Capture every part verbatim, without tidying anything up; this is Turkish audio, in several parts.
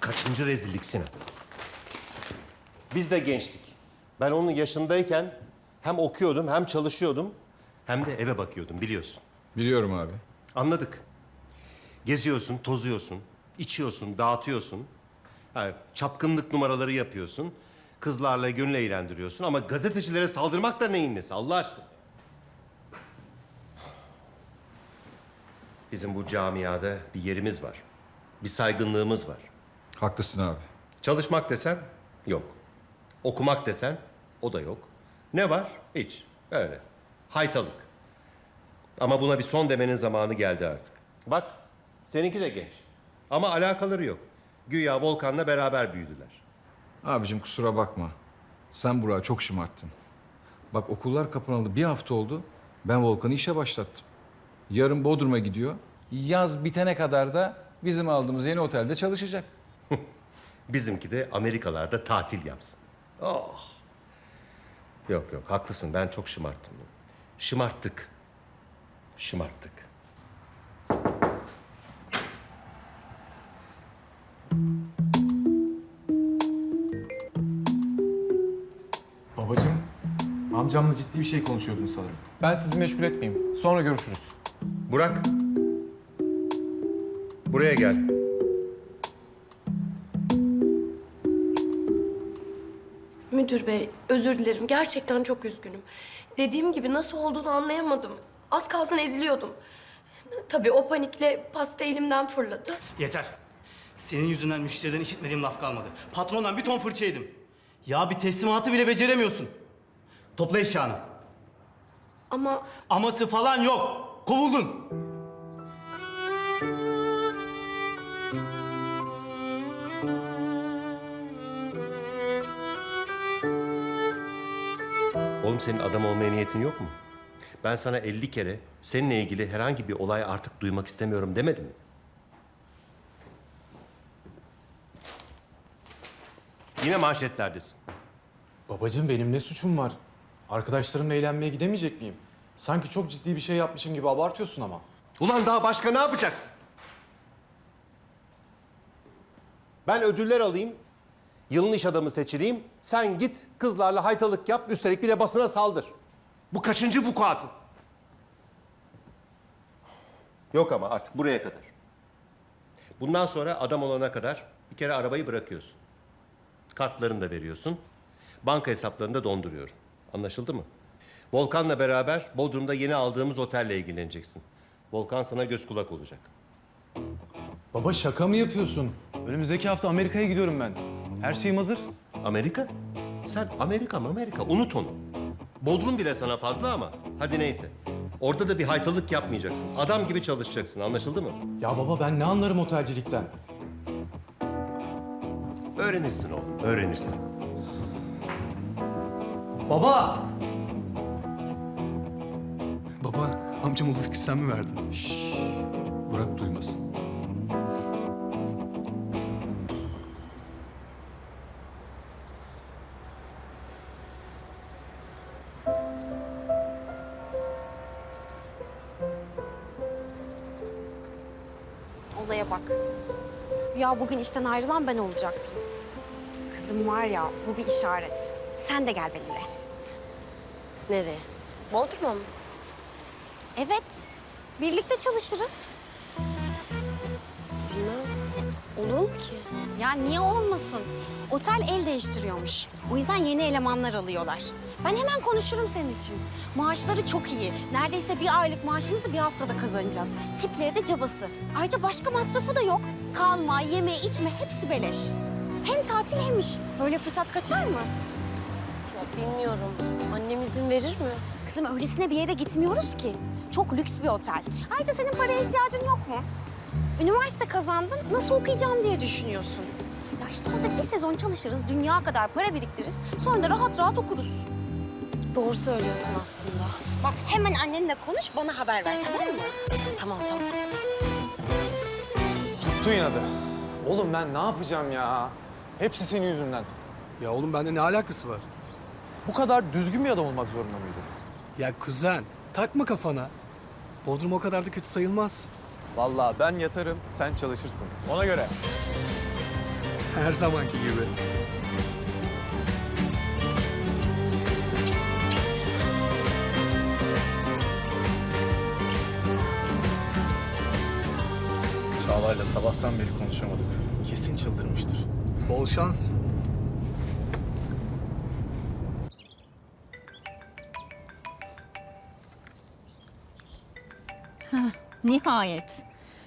kaçıncı rezillik Sinan? Biz de gençtik. Ben onun yaşındayken hem okuyordum hem çalışıyordum hem de eve bakıyordum biliyorsun. Biliyorum abi. Anladık. Geziyorsun, tozuyorsun, içiyorsun, dağıtıyorsun. Ha, çapkınlık numaraları yapıyorsun. Kızlarla gönül eğlendiriyorsun ama gazetecilere saldırmak da neyin nesi Allah aşkına? Bizim bu camiada bir yerimiz var. Bir saygınlığımız var. Haklısın abi. Çalışmak desen yok. Okumak desen o da yok. Ne var? Hiç. Öyle. Haytalık. Ama buna bir son demenin zamanı geldi artık. Bak, seninki de genç. Ama alakaları yok. Güya Volkan'la beraber büyüdüler. Abicim kusura bakma. Sen Burak'ı çok şımarttın. Bak okullar kapanalı bir hafta oldu. Ben Volkan'ı işe başlattım. Yarın Bodrum'a gidiyor. Yaz bitene kadar da bizim aldığımız yeni otelde çalışacak. Bizimki de Amerikalarda tatil yapsın. Oh. Yok yok, haklısın. Ben çok şımarttım. Şımarttık. Şımarttık. Babacığım, amcamla ciddi bir şey konuşuyordun sanırım. Ben sizi meşgul etmeyeyim. Sonra görüşürüz. Burak. Buraya gel. Müdür bey, özür dilerim. Gerçekten çok üzgünüm. Dediğim gibi nasıl olduğunu anlayamadım. Az kalsın eziliyordum. Tabii o panikle pasta elimden fırladı. Yeter. Senin yüzünden müşteriden işitmediğim laf kalmadı. Patrondan bir ton fırça yedim. Ya bir teslimatı bile beceremiyorsun. Topla eşyanı. Ama Aması falan yok. Kovuldun. Oğlum senin adam olmaya niyetin yok mu? Ben sana elli kere seninle ilgili herhangi bir olay artık duymak istemiyorum demedim mi? Yine manşetlerdesin. Babacığım benim ne suçum var? Arkadaşlarımla eğlenmeye gidemeyecek miyim? Sanki çok ciddi bir şey yapmışım gibi abartıyorsun ama. Ulan daha başka ne yapacaksın? Ben ödüller alayım, yılın iş adamı seçileyim. Sen git kızlarla haytalık yap, üstelik bir de basına saldır. Bu kaçıncı vukuatın? Yok ama artık buraya kadar. Bundan sonra adam olana kadar bir kere arabayı bırakıyorsun. Kartlarını da veriyorsun. Banka hesaplarını da donduruyorum. Anlaşıldı mı? Volkan'la beraber Bodrum'da yeni aldığımız otelle ilgileneceksin. Volkan sana göz kulak olacak. Baba şaka mı yapıyorsun? Önümüzdeki hafta Amerika'ya gidiyorum ben. Her şeyim hazır. Amerika? Sen Amerika mı Amerika? Unut onu. Bodrum bile sana fazla ama hadi neyse. Orada da bir haytalık yapmayacaksın. Adam gibi çalışacaksın. Anlaşıldı mı? Ya baba ben ne anlarım otelcilikten? Öğrenirsin oğlum, öğrenirsin. Baba! Baba, amcama bu fikri sen mi verdin? Burak duymasın. Olaya bak. Ya bugün işten ayrılan ben olacaktım. Kızım var ya, bu bir işaret. Sen de gel benimle. Nereye? Bodrum'a mı? Evet, birlikte çalışırız. Bilmem. Olur mu ki? Ya niye olmasın? Otel el değiştiriyormuş. O yüzden yeni elemanlar alıyorlar. Ben hemen konuşurum senin için. Maaşları çok iyi. Neredeyse bir aylık maaşımızı bir haftada kazanacağız. Tipleri de cabası. Ayrıca başka masrafı da yok. Kalma, yeme, içme hepsi beleş. Hem tatil hem iş. Böyle fırsat kaçar mı? Ya bilmiyorum. Annem izin verir mi? Kızım öylesine bir yere gitmiyoruz ki. Çok lüks bir otel. Ayrıca senin paraya ihtiyacın yok mu? Üniversite kazandın, nasıl okuyacağım diye düşünüyorsun. Ya işte orada bir sezon çalışırız, dünya kadar para biriktiririz. Sonra da rahat rahat okuruz. Doğru söylüyorsun aslında. Bak hemen annenle konuş, bana haber ver tamam mı? Tamam tamam. Tuttun inadı. Oğlum ben ne yapacağım ya? Hepsi senin yüzünden. Ya oğlum bende ne alakası var? Bu kadar düzgün bir adam olmak zorunda mıydı? Ya kuzen, takma kafana. Bodrum o kadar da kötü sayılmaz. Vallahi ben yatarım, sen çalışırsın. Ona göre. Her zamanki gibi. Çağla'yla sabahtan beri konuşamadık. Kesin çıldırmıştır. Bol şans. Nihayet.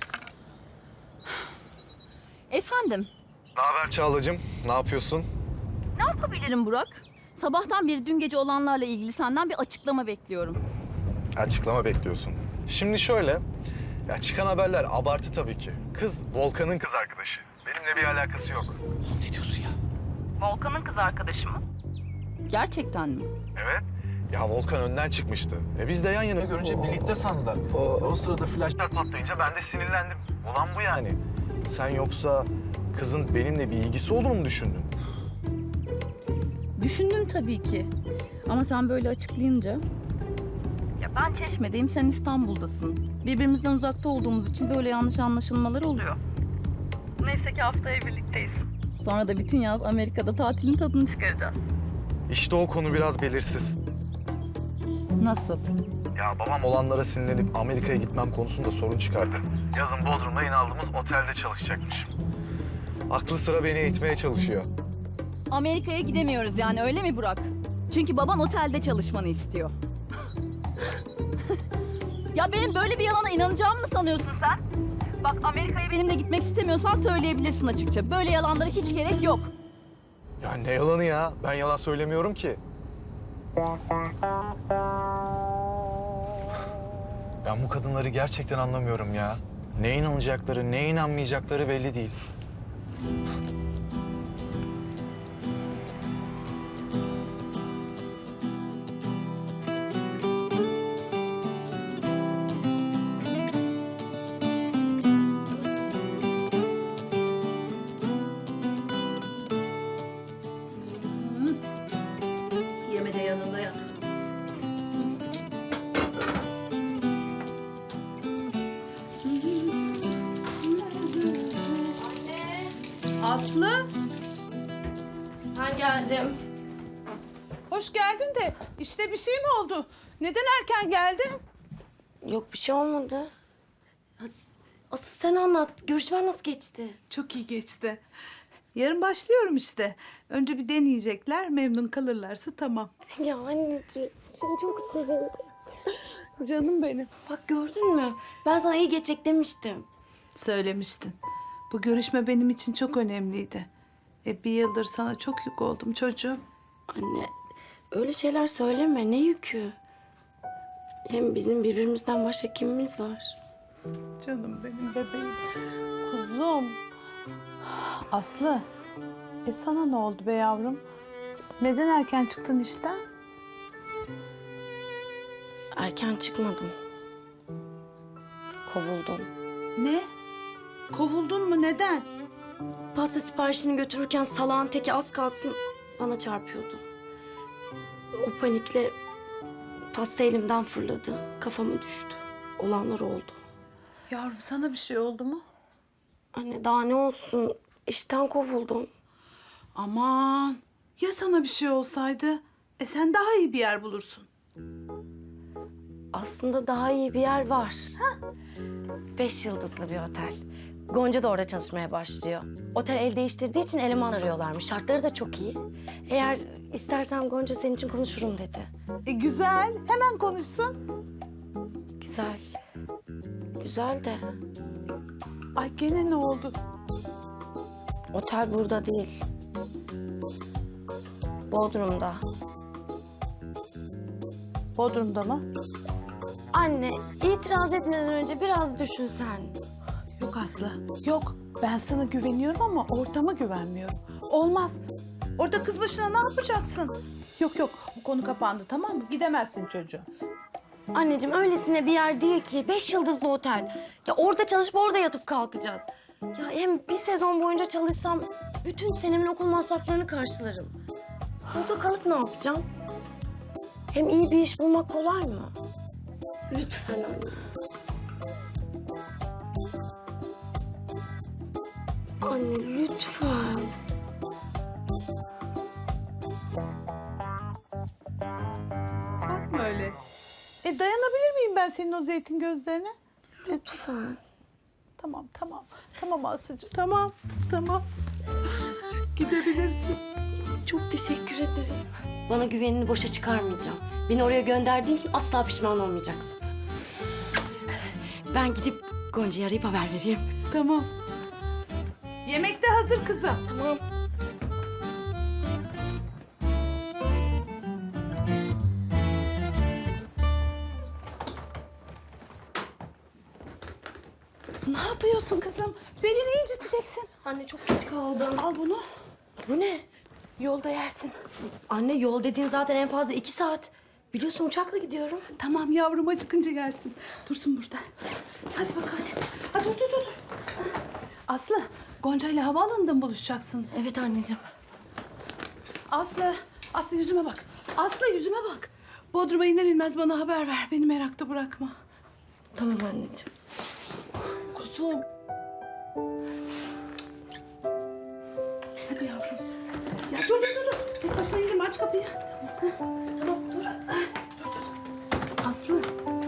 Efendim, Ne haber Çağla'cığım? Ne yapıyorsun? ne yapabilirim Burak? Sabahtan beri dün gece olanlarla ilgili senden bir açıklama bekliyorum. Açıklama bekliyorsun. Şimdi şöyle, ya çıkan haberler abartı tabii ki. Kız Volkan'ın kız arkadaşı. Benimle bir alakası yok. Volkan'ın kız arkadaşı mı? Gerçekten mi? Evet. Ya Volkan önden çıkmıştı. E biz de yan yana görünce birlikte sandılar. O, o sırada flaşlar patlayınca ben de sinirlendim. Olan bu yani. Sen yoksa kızın benimle bir ilgisi olduğunu mu düşündün? Düşündüm tabii ki. Ama sen böyle açıklayınca... Ya ben Çeşme'deyim, sen İstanbul'dasın. Birbirimizden uzakta olduğumuz için böyle yanlış anlaşılmalar oluyor. Neyse ki haftaya birlikteyiz. Sonra da bütün yaz Amerika'da tatilin tadını çıkaracağız. İşte o konu biraz belirsiz. Nasıl? Ya babam olanlara sinirlenip Amerika'ya gitmem konusunda sorun çıkardı. Yazın Bodrum'da yine aldığımız otelde çalışacakmış. Aklı sıra beni eğitmeye çalışıyor. Amerika'ya gidemiyoruz yani, öyle mi Burak? Çünkü baban otelde çalışmanı istiyor. Ya benim böyle bir yalana inanacağımı mı sanıyorsun sen? Bak, Amerika'ya benimle gitmek istemiyorsan söyleyebilirsin açıkça. Böyle yalanlara hiç gerek yok. Ya ne yalanı ya? Ben yalan söylemiyorum ki. Ben bu kadınları gerçekten anlamıyorum ya. Neye inanacakları, neye inanmayacakları belli değil. Yeme de yanında yat. Aslı, Ben geldim. hoş geldin de işte bir şey mi oldu? Neden erken geldin? Yok, bir şey olmadı. As- Asıl sen anlat. Görüşmen nasıl geçti? Çok iyi geçti. Yarın başlıyorum işte. Önce bir deneyecekler, memnun kalırlarsa tamam. Ya anneciğim, şimdi çok sevindim. Canım benim. Bak, gördün mü? Ben sana iyi geçecek demiştim. Söylemiştin. Bu görüşme benim için çok önemliydi. E bir yıldır sana çok yük oldum çocuğum. Anne, öyle şeyler söyleme. Ne yükü? Hem bizim birbirimizden başka kimimiz var? Canım benim bebeğim. Kuzum. Aslı, e sana ne oldu be yavrum? Neden erken çıktın işten? Erken çıkmadım. Kovuldum. Ne? Kovuldun mu? Neden? Pasta siparişini götürürken salağın teki az kalsın bana çarpıyordu. O panikle pasta elimden fırladı. Kafama düştü. Olanlar oldu. Yavrum sana bir şey oldu mu? Anne, daha ne olsun? İşten kovuldum. Aman ya sana bir şey olsaydı? E sen daha iyi bir yer bulursun. Aslında daha iyi bir yer var. Beş yıldızlı bir otel. Gonca da orada çalışmaya başlıyor. Otel el değiştirdiği için eleman arıyorlarmış. Şartları da çok iyi. Eğer istersen Gonca senin için konuşurum dedi. E güzel, hemen konuşsun. Güzel. Güzel de Ay gene ne oldu? otel burada değil. Bodrum'da. Bodrum'da mı? Anne, itiraz etmeden önce biraz düşünsen. Yok Aslı, yok. Ben sana güveniyorum ama ortama güvenmiyorum. Olmaz. Orada kız başına ne yapacaksın? Yok yok, bu konu kapandı tamam mı? Gidemezsin çocuğum. Anneciğim, öylesine bir yer değil ki. Beş yıldızlı otel. Ya orada çalışıp orada yatıp kalkacağız. Ya hem bir sezon boyunca çalışsam bütün senemin okul masraflarını karşılarım. Burada kalıp ne yapacağım? Hem iyi bir iş bulmak kolay mı? Lütfen anne. Anne lütfen. Bakma öyle. E dayanabilir miyim ben senin o zeytin gözlerine? Lütfen. Tamam, tamam. Tamam Aslı'cığım. Tamam, tamam. Gidebilirsin. Çok teşekkür ederim. Bana güvenini boşa çıkarmayacağım. Beni oraya gönderdiğin için asla pişman olmayacaksın. Ben gidip Gonca'yı arayıp haber vereyim. Tamam. Yemek de hazır kızım. Tamam. Ne yapıyorsun kızım? Belini inciteceksin. Anne çok geç kaldım. Al bunu. Bu ne? Yolda yersin. Anne yol dediğin zaten en fazla iki saat. Biliyorsun uçakla gidiyorum. Tamam yavrum, acıkınca yersin. Dursun burada. Hadi bakalım. Ha, dur dur dur. dur. Aslı, Gonca ile havaalanında mı buluşacaksınız? Evet anneciğim. Aslı, Aslı yüzüme bak. Aslı yüzüme bak. Bodrum'a iner inmez bana haber ver. Beni merakta bırakma. Tamam anneciğim. Kuzum. Hadi yavrum. Ya dur dur dur. dur. Tek başına indirme, aç kapıyı. Tamam, tamam dur. Dur dur. Aslı.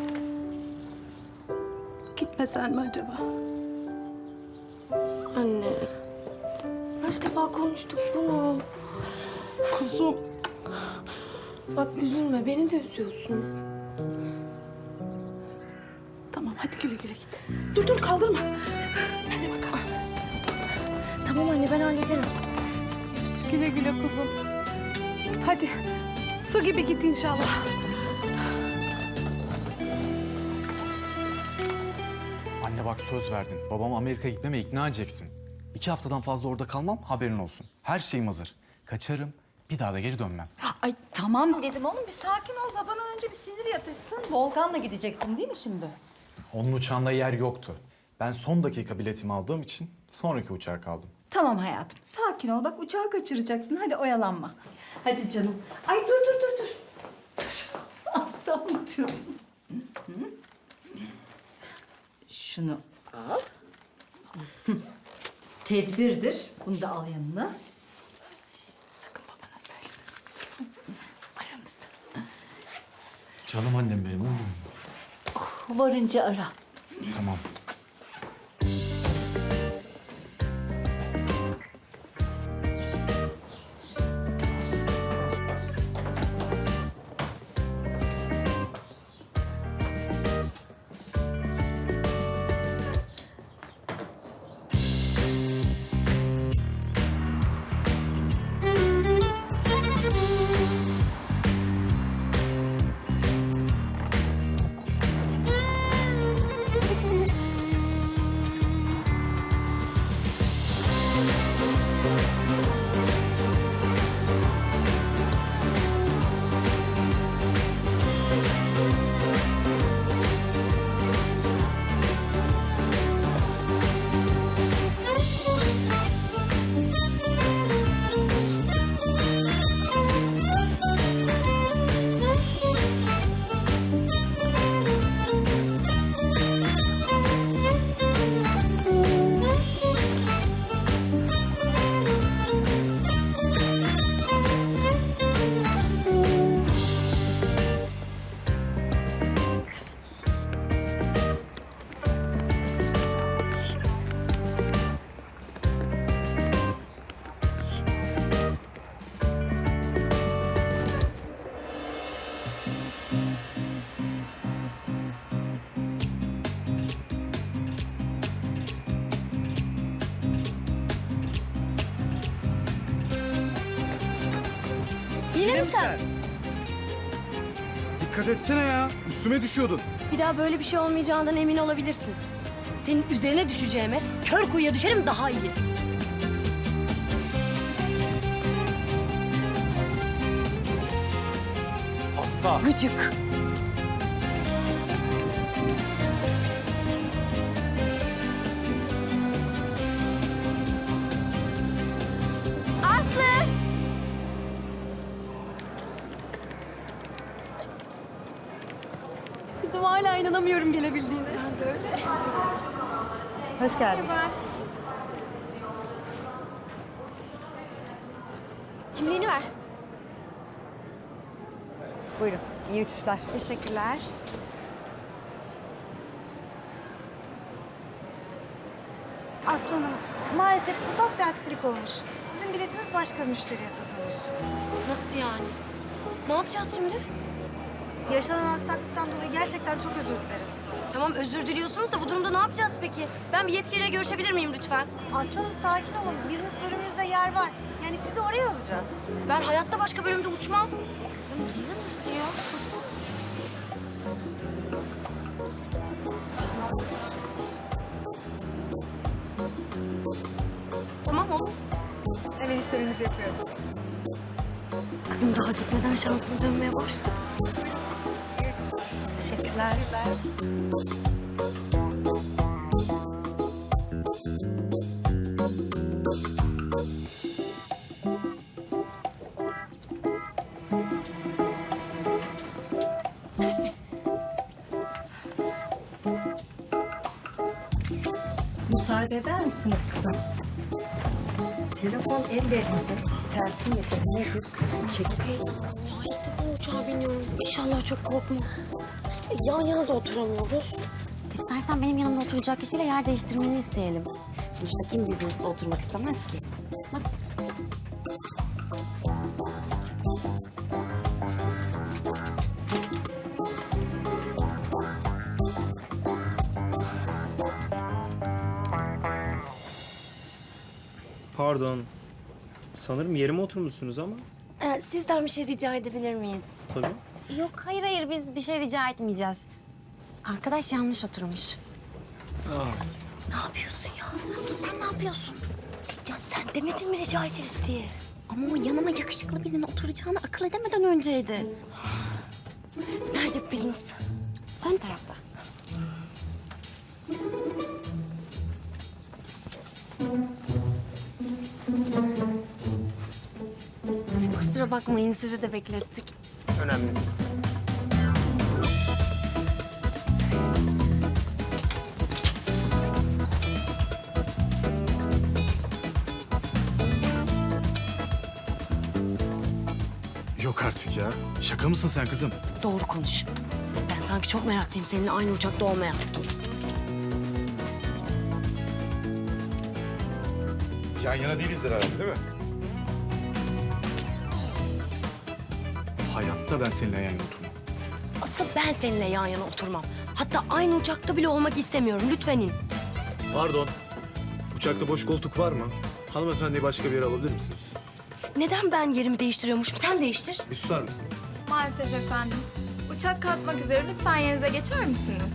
Gitmesen mi acaba? Anne. Kaç defa konuştuk bunu. Kuzum. Bak üzülme, beni de üzüyorsun. Tamam hadi güle güle git. Dur dur kaldırma. Hadi bakalım. Tamam anne, ben hallederim. Güle güle kuzum. Hadi. Su gibi git inşallah. Anne bak söz verdin. Babamı Amerika'ya gitmeme ikna edeceksin. İki haftadan fazla orada kalmam, haberin olsun. Her şeyim hazır. Kaçarım, bir daha da geri dönmem. Ay tamam dedim oğlum, bir sakin ol. Babanın önce bir sinir yatışsın. Volkan'la gideceksin değil mi şimdi? Onun uçağında yer yoktu. Ben son dakika biletimi aldığım için sonraki uçağa kaldım. Tamam hayatım, sakin ol. Bak uçağı kaçıracaksın. Hadi oyalanma. Hadi canım. Ay dur dur dur dur. Dur. Aslı anlatıyordum. Hı hı. Şunu al. Hı. Tedbirdir. Bunu da al yanına. Sakın babana söyleme. Aramızda. Canım annem benim. Varınca ara. Tamam. Yine mi sen? Dikkat etsene ya. Üstüme düşüyordun. Bir daha böyle bir şey olmayacağından emin olabilirsin. Senin üzerine düşeceğime kör kuyuya düşerim daha iyi. Hasta. Gıcık. Aslı! Kızım hala inanamıyorum gelebildiğine. Ben de öyle. Hoş geldin. Kimliğini ver. Buyurun. İyi uçuşlar. Teşekkürler. Aslanım, maalesef ufak bir aksilik olmuş. Sizin biletiniz başka bir müşteriye satılmış. Nasıl yani? Ne yapacağız şimdi? Yaşanan aksaklıktan dolayı gerçekten çok özür dileriz. Tamam özür diliyorsunuz da bu durumda ne yapacağız peki? Ben bir yetkiliyle görüşebilir miyim lütfen? Aslanım sakin olun. Business bölümümüzde yer var. Yani sizi oraya alacağız. Ben hayatta başka bölümde uçmam. Kızım izin istiyor. Sussun. Tamam olur. Hemen işleminizi yapıyorum. Kızım daha gitmeden şansım dönmeye başladı. Teşekkürler. Müsaade eder misiniz kızım? Telefon ellerinde. Selfie nedir nedir? Çekip Ya ilk defa uçağa biniyorum. İnşallah çok korkma. E, yan yana da oturamıyoruz. İstersen benim yanımda oturacak kişiyle yer değiştirmeni isteyelim. Sonuçta kim business'ta oturmak istemez ki? Bak. Pardon. Sanırım yerime oturmuşsunuz ama. Ee, sizden bir şey rica edebilir miyiz? Tabii. Yok hayır hayır biz bir şey rica etmeyeceğiz. Arkadaş yanlış oturmuş. Ne yapıyorsun ya? Nasıl sen ne yapıyorsun? Ya sen demedin mi rica ederiz diye? Ama o yanıma yakışıklı birinin oturacağını akıl edemeden önceydi. Nerede bu business? Ön tarafta. Kusura bakmayın sizi de beklettik. Önemli. Yok artık ya. Şaka mısın sen kızım? Doğru konuş. Ben sanki çok meraklıyım seninle aynı uçakta olmaya. Yan yana değilizdir herhalde değil mi? Hayatta ben seninle yan yana oturmam. Asıl ben seninle yan yana oturmam. Hatta aynı uçakta bile olmak istemiyorum. Lütfen in. Pardon. Uçakta boş koltuk var mı? Hanımefendiyi başka bir yere alabilir misiniz? Neden ben yerimi değiştiriyormuşum? Sen değiştir. Bir susar mısın? Maalesef efendim. Uçak kalkmak üzere. Lütfen yerinize geçer misiniz?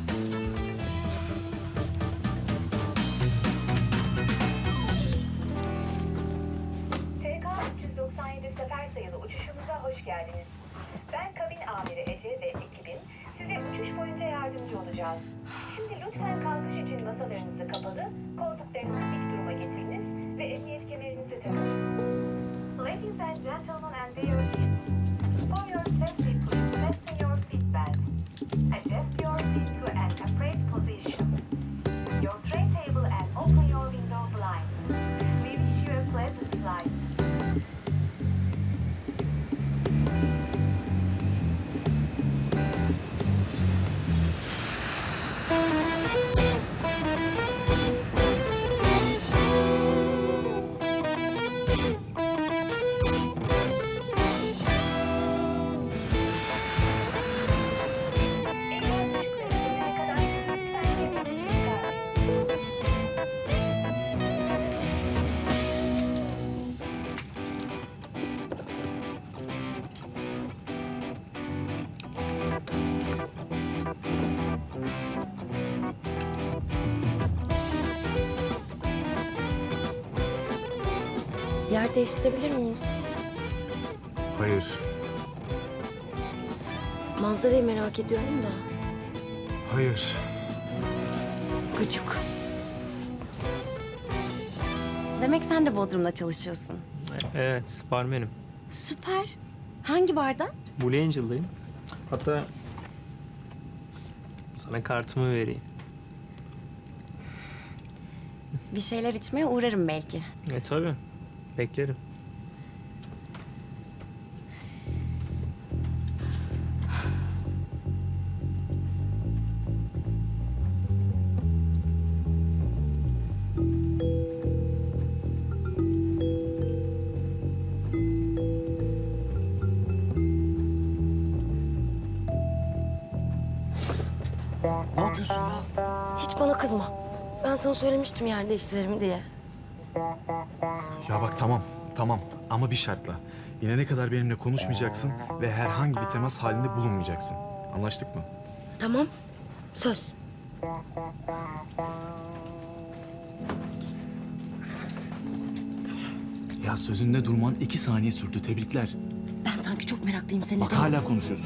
T K üç yüz doksan yedi sefer sayılı uçuşumuza hoş geldiniz. Ben kabin amiri Ece ve ekibim size uçuş boyunca yardımcı olacağız. Şimdi lütfen kalkış için masalarınızı kapalı, koltuklarınızı dik duruma getiriniz ve emniyet kemerinizi takınız. Ladies and gentlemen and dear kids, for your safety please fasten your seatbelt. Adjust your seat to an upright position. Your tray table and open your window blinds. We wish you a pleasant flight. Ekran ışıkları sönene kadar lütfen kendinizi çıkarmayın. Yer değiştirebilir miyiz? Hayır. Manzarayı merak ediyorum da. Hayır. Gıcık. Demek sen de Bodrum'da çalışıyorsun. Evet, barmenim. Süper. Hangi barda? Blue Angel'dayım. Hatta sana kartımı vereyim. Bir şeyler içmeye uğrarım belki. E tabii. Beklerim. bana kızma. Ben sana söylemiştim yer değiştirelim diye. Ya bak tamam, tamam ama bir şartla. İnene kadar benimle konuşmayacaksın ve herhangi bir temas halinde bulunmayacaksın. Anlaştık mı? Tamam. Söz. Ya sözünde durman iki saniye sürdü. Tebrikler. Ben sanki çok meraklıyım senin. Bak hala konuşuyorsun.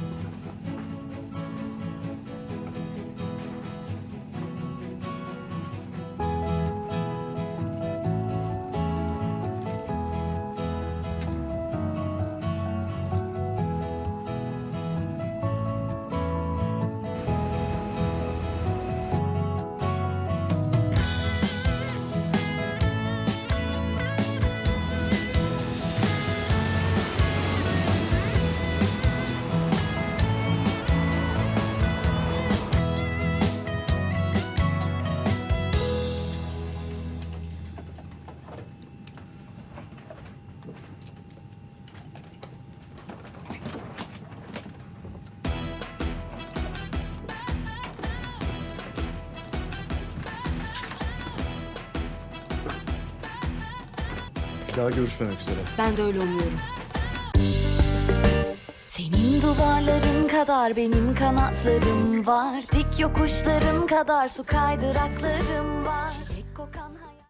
Daha görüşmemek üzere. Ben de öyle umuyorum. Senin duvarların kadar benim kanatlarım var. Dik yokuşların kadar su kaydıraklarım var.